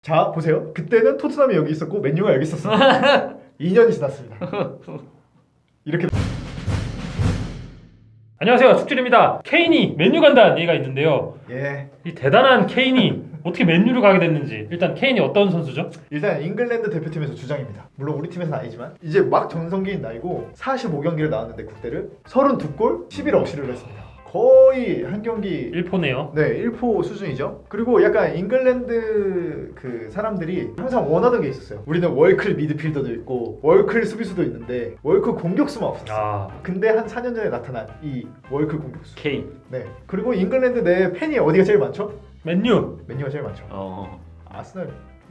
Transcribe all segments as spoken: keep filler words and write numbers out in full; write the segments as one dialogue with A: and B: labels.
A: 자 보세요. 그때는 토트넘이 여기 있었고 맨유가 여기 있었어요. 이 년이 지났습니다. 이렇게
B: 안녕하세요, 축질입니다. 케인이 맨유 간다는 얘기가 있는데요.
A: 예
B: 이 대단한 케인이 어떻게 맨유를 가게 됐는지. 일단 케인이 어떤 선수죠?
A: 일단 잉글랜드 대표팀에서 주장입니다. 물론 우리 팀에서는 아니지만 이제 막 전성기인 나이고 사십오 경기를 나왔는데 국대를 삼십이 골 십일 어시를 했습니다. 거의 한 경기
B: 일 포네요.
A: 네, 일 포 수준이죠. 그리고 약간 잉글랜드 그 사람들이 항상 원하던 게 있었어요. 우리는 월클 미드필더도 있고 월클 수비수도 있는데 월클 공격수만 없었어요.
B: 아,
A: 근데 한 사 년 전에 나타난 이 월클 공격수.
C: 케인.
A: 네. 그리고 잉글랜드 내 팬이 어디가 제일 많죠?
B: 맨유.
A: 맨유가 제일 많죠.
C: 어.
A: 아스널.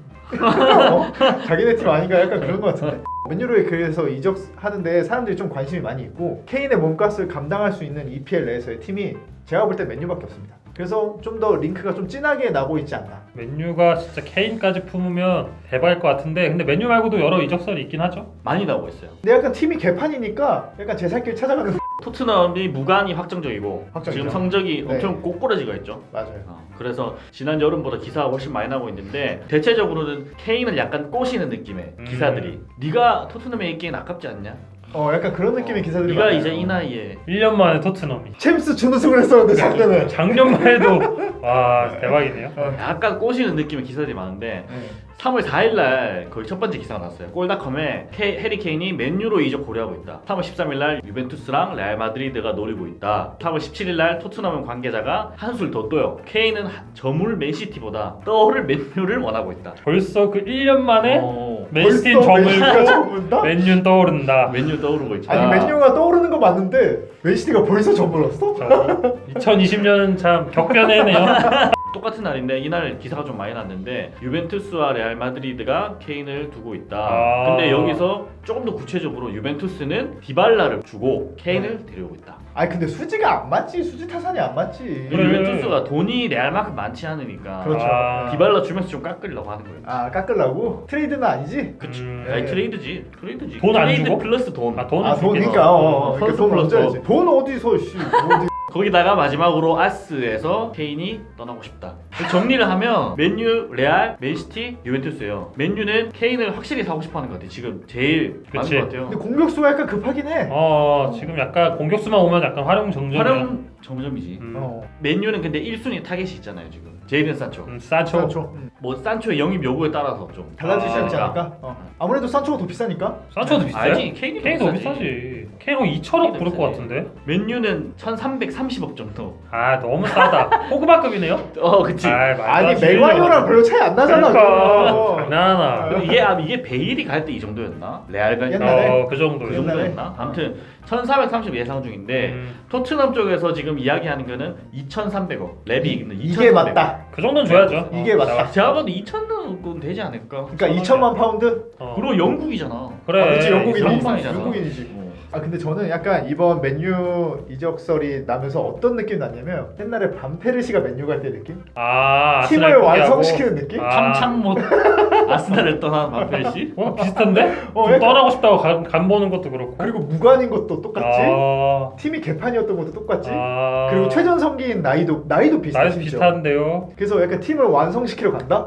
A: 어? 자기네 팀 아닌가 약간 그런 것 같은데. 맨유를 그래서 이적하는데 사람들이 좀 관심이 많이 있고 케인의 몸값을 감당할 수 있는 이피엘 내에서의 팀이 제가 볼 때 맨유밖에 없습니다. 그래서 좀 더 링크가 좀 진하게 나고 있지 않나.
B: 맨유가 진짜 케인까지 품으면 대박일 것 같은데, 근데 맨유 말고도 여러 이적설이 있긴 하죠.
C: 많이 나오고 있어요.
A: 근데 약간 팀이 개판이니까 약간 제 살 길 찾아가는.
C: 토트넘이 무관이 확정적이고
A: 확정이죠.
C: 지금 성적이
A: 네.
C: 엄청 꼬꾸라지가 있죠.
A: 맞아요.
C: 어, 그래서 지난 여름보다 기사가 훨씬 많이 나고 있는데 대체적으로는 케인을 약간 꼬시는 느낌의
B: 음.
C: 기사들이 네가 토트넘에 있기엔 아깝지 않냐?
A: 어 약간 그런 느낌의
C: 어,
A: 기사들이
C: 네가
A: 많아요.
C: 이제 이 나이에
B: 일 년 만에 토트넘이.
A: 챔스 준우승을 했었는데 작년에.
B: 작년만 해도 와, 대박이네요.
C: 약간 꼬시는 느낌의 기사들이 많은데
A: 네.
C: 삼월 사일 날 거의 첫 번째 기사가 나왔어요. 골닷컴에 케, 해리 케인이 맨유로 이적 고려하고 있다. 삼월 십삼일 날 유벤투스랑 레알 마드리드가 노리고 있다. 삼월 십칠일 날 토트넘 관계자가 한술 더 떠요. 케인은 저물 맨시티보다 떠오를 맨유를 원하고 있다.
B: 벌써 그 일 년 만에
C: 어,
B: 맨시티는
A: 벌써 맨시티가
B: 저물고
A: 저물다?
B: 맨유는 떠오른다.
C: 맨유 떠오르고 있다.
A: 아니 맨유가 떠오르는 거 맞는데 맨시티가 벌써 저물었어?
B: 이천이십 년은 참 격변해네요.
C: 똑같은 날인데 이날 기사가 좀 많이 났는데 유벤투스와 레알 마드리드가 케인을 두고 있다.
B: 아.
C: 근데 여기서 조금 더 구체적으로 유벤투스는 디발라를 주고 케인을 데려오고 있다.
A: 아니 근데 수지가 안 맞지. 수지 타산이 안 맞지.
B: 그래.
C: 유벤투스가 돈이 레알만큼 많지 않으니까
A: 그렇죠.
B: 아.
C: 디발라 주면서 좀 깎으려고 하는 거예요.
A: 아 깎으려고? 트레이드는 아니지?
C: 그치.
B: 음.
C: 아니
A: 예.
C: 트레이드지. 트레이드지.
B: 돈안
C: 트레이드
B: 주고?
C: 플러스 돈.
B: 아, 돈?
A: 아 돈
B: 줄게.
A: 그러니까 어, 어,
C: 어,
A: 그러니까
C: 선수
A: 돈
C: 플러스
A: 얹어야지. 돈 어디서 씨 어디.
C: 거기다가 마지막으로 아스에서 케인이 떠나고 싶다. 정리를 하면 맨유, 레알, 맨시티, 유벤투스예요. 맨유는 케인을 확실히 사고 싶어하는 것 같아요. 지금 제일 많은
B: 그치.
C: 것 같아요.
A: 근데 공격수가 약간 급하긴 해.
B: 어, 지금 약간 공격수만 오면 약간 활용 정점이야.
C: 활용 정점이지.
B: 음,
A: 어.
C: 맨유는 근데 일 순위 타겟이 있잖아요 지금. 제이든 산초.
B: 음, 산초.
A: 산초. 음.
C: 뭐 산초의 영입 요구에 따라서 좀
A: 달라지지
B: 아,
A: 않지 않을까? 어. 아무래도 산초가 더 비싸니까.
B: 산초도 비싸요?
C: 알지? 케인이
B: 케인이 더
C: 비싸지.
B: 비싸지. 케인 한 이천억 부를 것
C: 비싸지.
B: 같은데?
C: 맨유는 천삼백삼십억 정도.
B: 아, 너무 싸다. 호그마급이네요?
C: 어 그치.
B: 아, 말도 안
A: 아니
B: 되는
A: 맥와이어랑 별로 차이 안 나잖아.
B: 그러니까
A: 그거.
B: 장난하나.
C: 그리고 이게 아, 이게 베일이 갈 때 이 정도였나? 레알 갈 때.
A: 옛날에?
B: 어, 그 정도.
C: 그
A: 옛날에?
C: 정도였나? 아무튼 천사백삼십 예상 중인데
B: 음,
C: 토트넘 쪽에서 지금 이야기하는 거는 이천삼백억. 랩이 있는
A: 이게 맞다.
B: 그 정도는 줘야죠.
A: 이게
B: 어,
A: 맞다.
B: 나가-
C: 제가 봐도 이천억은 되지 않을까?
A: 그러니까 이천만 파운드?
B: 어.
C: 그리고 영국이잖아.
B: 그래.
A: 아, 그치 영국인
C: 영국이잖아.
A: 영국인이지.
C: 어.
A: 아 근데 저는 약간 이번 맨유 이적설이 나면서 어떤 느낌이 났냐면 옛날에 반페르시가 맨유 갈 때 느낌?
B: 아,
A: 팀을
B: 아스날 포기하고.
A: 완성시키는 느낌?
B: 아.
C: 참참못 아스날을 떠난 마펠씨.
B: 어, 비슷한데?
A: 어,
B: 좀
A: 약간-
B: 떠나고 싶다고 간, 간 보는 것도 그렇고.
A: 그리고 무관인 것도 똑같지?
B: 아,
A: 팀이 개판이었던 것도 똑같지?
B: 아,
A: 그리고 최전성기인 나이도 나이도 비슷해
B: 나이도
A: 심지어.
B: 비슷한데요.
A: 그래서 약간 팀을 완성시키러 간다?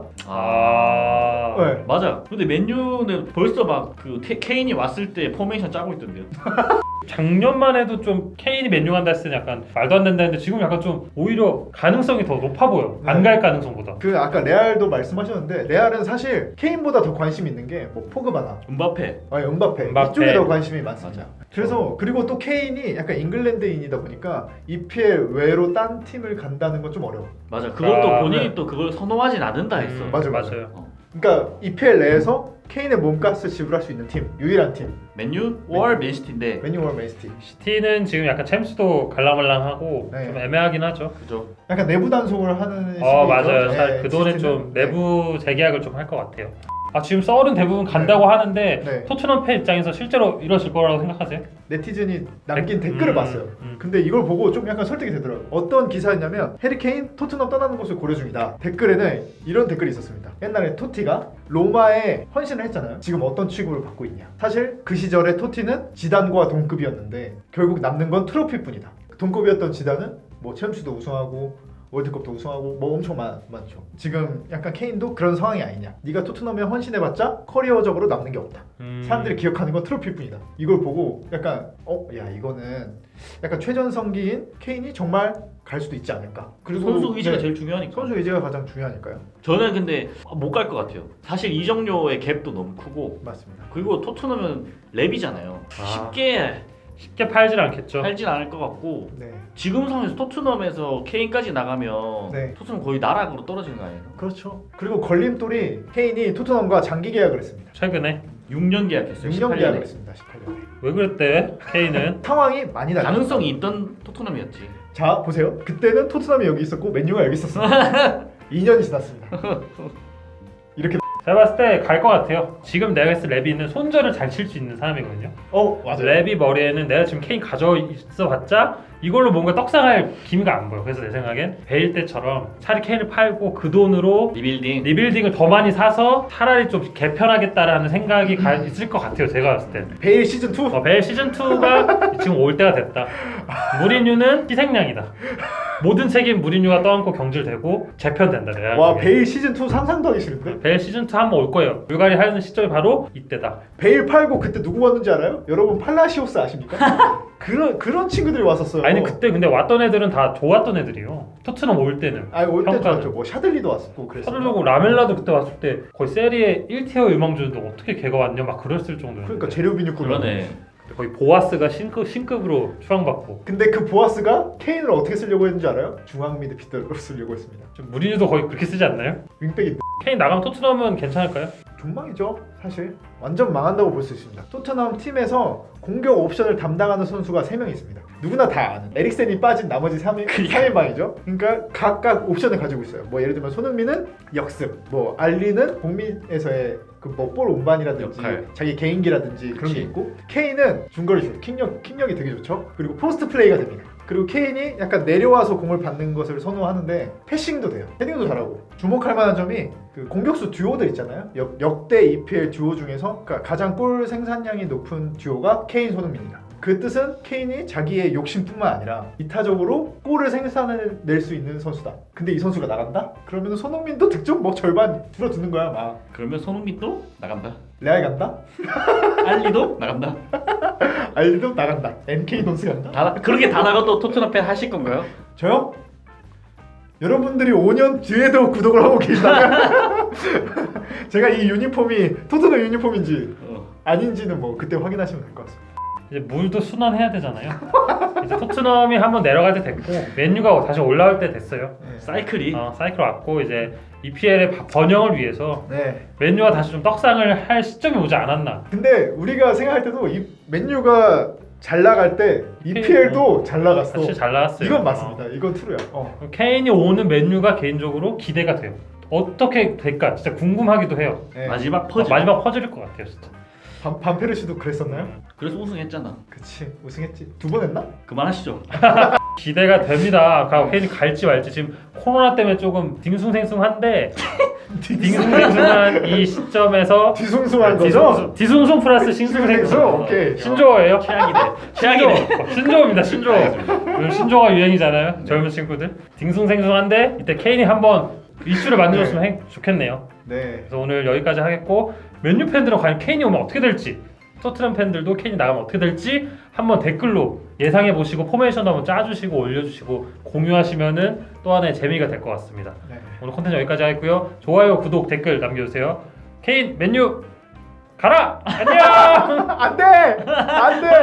B: 아,
A: 네.
C: 맞아. 근데 맨유는 벌써 막 그 케인이 왔을 때 포메이션 짜고 있던데요.
B: 작년만 해도 좀 케인이 맨유 간다 했을 때 약간 말도 안 된다 했는데 지금 약간 좀 오히려 가능성이 더 높아 보여. 안
A: 네.
B: 갈 가능성보다.
A: 그 아까 레알도 말씀하셨는데 레알은 사실 케인보다 더 관심 있는 게 뭐 포그바나
C: 음바페.
A: 아니 음바페,
B: 음바페.
A: 이쪽에 더 관심이 많습니다.
C: 맞아.
A: 그래서 그리고 또 케인이 약간 잉글랜드인이다 보니까 이피엘 외로 딴 팀을 간다는 건 좀 어려워.
C: 맞아. 그것도
B: 아,
C: 본인이
A: 네.
C: 또 그걸 선호하진 않는다 했어.
B: 음,
A: 맞아, 맞아.
B: 맞아요.
C: 어.
A: 그러니까 이피엘 내에서 케인의 몸값을 지불할 수 있는 팀, 유일한 팀
C: 맨유 월 맨시티인데
A: 맨유월 맨시티.
B: 시티는 지금 약간 챔스도 갈랑말랑하고
A: 네.
B: 좀 애매하긴 하죠.
C: 그죠.
A: 약간 내부 단속을 하는
B: 어,
A: 식이죠.
B: 맞아요.
A: 네,
B: 살- 그 돈에
A: 시스템은.
B: 좀 내부 재계약을 좀 할 것 같아요. 아, 지금 썰은 대부분 간다고 하는데
A: 네.
B: 토트넘 팬 입장에서 실제로 이루어질 거라고 생각하세요?
A: 네티즌이 남긴
B: 댓-
A: 댓글을
B: 음,
A: 봤어요.
B: 음.
A: 근데 이걸 보고 좀 약간 설득이 되더라고요. 어떤 기사였냐면 해리 케인 토트넘 떠나는 것을 고려 중이다. 댓글에는 이런 댓글이 있었습니다. 옛날에 토티가 로마에 헌신을 했잖아요. 지금 어떤 취급을 받고 있냐. 사실 그 시절에 토티는 지단과 동급이었는데 결국 남는 건 트로피뿐이다. 동급이었던 지단은 뭐 챔스도 우승하고 월드컵도 우승하고 뭐 엄청 많, 많죠. 지금 약간 케인도 그런 상황이 아니냐. 네가 토트넘에 헌신해봤자 커리어적으로 남는 게 없다.
B: 음.
A: 사람들이 기억하는 건 트로피일 뿐이다. 이걸 보고 약간 어? 야 이거는 약간 최전성기인 케인이 정말 갈 수도 있지 않을까. 그리고
C: 선수 의지가
A: 네,
C: 제일 중요하니까.
A: 선수 의지가 가장 중요하니까요.
C: 저는 근데 못 갈 것 같아요. 사실 이적료의 갭도 너무 크고
A: 맞습니다.
C: 그리고 토트넘은 랩이잖아요.
B: 아.
C: 쉽게
B: 쉽게 팔질 않겠죠.
C: 팔진 않을 것 같고
A: 네.
C: 지금 상황에서 토트넘에서 케인까지 나가면
A: 네.
C: 토트넘 거의 나락으로 떨어지는 거 아니에요?
A: 그렇죠. 그리고 걸림돌이 케인이 토트넘과 장기 계약을 했습니다.
B: 최근에
C: 육 년 계약했어요.
A: 육 년
C: 십팔 년에.
A: 계약을 했습니다. 십팔 년에.
B: 왜 그랬대? 케인은
A: 상황이 많이 달라.
C: 가능성이 있던 토트넘이었지.
A: 자 보세요. 그때는 토트넘이 여기 있었고 맨유가 여기 있었어요. 이 년이 지났습니다. 이렇게
B: 제가 봤을 때 갈 것 같아요. 지금 내가 했을 레비는 손절을 잘 칠 수 있는 사람이거든요.
A: 어 맞아요.
B: 레비 머리에는 내가 지금 케인 가져 있어봤자 이걸로 뭔가 떡상할 기미가 안 보여. 그래서 내 생각엔 베일 때처럼 차라리 케인을 팔고 그 돈으로
C: 리빌딩.
B: 리빌딩을 더 많이 사서 차라리 좀 개편하겠다라는 생각이 가, 있을 것 같아요. 제가 봤을 때.
A: 베일 시즌 투.
B: 어, 베일 시즌 이가 지금 올 때가 됐다. 무리뉴는 희생양이다. 모든 책임 무리뉴가 떠안고 경질되고 재편된다. 내가
A: 와
B: 보기엔.
A: 베일 시즌 투 상상도 하기 싫은데.
B: 베일 시즌 이 한번 올 거예요. 불가리 하는 시점이 바로 이때다.
A: 베일 팔고 그때 누구 왔는지 알아요? 여러분 팔라시오스 아십니까? 그런 그런 친구들이 왔었어요.
B: 아니 근때 근데 왔던 애들은 다 좋았던 애들이요. 토트넘 올 때는.
A: 아니 올때
B: 평가는.
A: 좋았죠. 뭐 샤들리도 왔었고 그랬어.
B: 샤들로고 라멜라도 그때 왔을 때 거의 세리에 일 티어 유망주인데 어떻게 걔가 왔냐 막 그랬을 정도였는데.
A: 그러니까 재료 비뉴급.
C: 그러네.
B: 거의 보아스가 신급, 신급으로 추앙받고
A: 근데 그 보아스가 케인을 어떻게 쓰려고 했는지 알아요? 중앙 미드필더로 쓰려고 했습니다.
B: 좀 무리뉴도 거의 그렇게 쓰지 않나요?
A: 윙백이
B: 케인 나가면 토트넘은 괜찮을까요?
A: 존망이죠 사실. 완전 망한다고 볼 수 있습니다. 토트넘 팀에서 공격 옵션을 담당하는 선수가 세 명 있습니다. 누구나 다 아는 에릭센이 빠진 나머지 삼 인, 삼 인방이죠. 그러니까 각각 옵션을 가지고 있어요. 뭐 예를 들면 손흥민은 역습, 뭐 알리는 공민에서의 그 뭐 볼 운반이라든지
C: 역할.
A: 자기 개인기라든지 그런
C: 그치.
A: 게 있고 케인은 중거리 슛, 킥력, 킥력이 되게 좋죠. 그리고 포스트 플레이가 됩니다. 그리고 케인이 약간 내려와서 공을 받는 것을 선호하는데 패싱도 돼요. 헤딩도 잘하고. 주목할 만한 점이 그 공격수 듀오들 있잖아요. 역, 역대 이피엘 듀오 중에서 그러니까 가장 골 생산량이 높은 듀오가 케인 손흥민이다. 그 뜻은 케인이 자기의 욕심뿐만 아니라 이타적으로 골을 생산해낼 수 있는 선수다. 근데 이 선수가 나간다? 그러면 손흥민도 득점 뭐 절반 줄어드는 거야 막.
C: 그러면 손흥민도 나간다.
A: 레알 간다?
C: 알리도 나간다.
A: 알리도 나간다. 엔케이 돈스 간다?
C: 다 그렇게 다 나가도 토트넘 팬 하실 건가요?
A: 저요? 여러분들이 오 년 뒤에도 구독을 하고 계시다면 제가 이 유니폼이 토트넘 유니폼인지
C: 어.
A: 아닌지는 뭐 그때 확인하시면 될 것 같습니다.
B: 이제 물도 순환해야 되잖아요. 이제 토트넘이 한번 내려갈 때 됐고 맨유가 다시 올라올 때 됐어요.
A: 네.
C: 사이클이
B: 어, 사이클 왔고 이제 이피엘의 번영을 위해서
A: 네.
B: 맨유가 다시 좀 떡상을 할 시점이 오지 않았나.
A: 근데 우리가 생각할 때도 이 맨유가 잘 나갈 때 이피엘도 잘 나갔어.
B: 사실 잘 나왔어요.
A: 이건 맞습니다. 이건 트루야. 어.
B: 어. 케인이 오는 맨유가 개인적으로 기대가 돼요. 어떻게 될까 진짜 궁금하기도 해요.
A: 네.
C: 마지막
B: 어,
C: 퍼즐.
B: 마지막 퍼즐일 것 같아요 진짜.
A: 반, 반페르시도 그랬었나요?
C: 그래서 우승했잖아.
A: 그치 우승했지. 두 번 했나?
C: 그만하시죠.
B: 기대가 됩니다. 가- 케인이 갈지 말지 지금 코로나 때문에 조금 딩숭생숭한데 딩숭생숭한 이 시점에서
A: 뒤숭숭한 거죠?
B: 뒤숭숭, 뒤숭숭 플러스 신숭생숭.
A: 뒤숭생숭, 오케이.
B: 신조어예요.
C: 최악이네. 최악이네.
B: 신조어. 신조어입니다. 신조어. 요즘 신조어가 유행이잖아요. 젊은 친구들. 딩숭생숭한데 이때 케인이 한번 이슈를 만들었으면 해- 좋겠네요.
A: 네.
B: 그래서 오늘 여기까지 하겠고 맨유 팬들은 과연 케인이 오면 어떻게 될지 토트넘 팬들도 케인이 나가면 어떻게 될지 한번 댓글로 예상해 보시고 포메이션도 한번 짜주시고 올려주시고 공유하시면은 또 하나의 재미가 될 것 같습니다.
A: 네.
B: 오늘 콘텐츠 여기까지 하겠고요. 좋아요, 구독, 댓글 남겨주세요. 케인, 맨유 가라! 안녕!
A: 안 돼! 안 돼!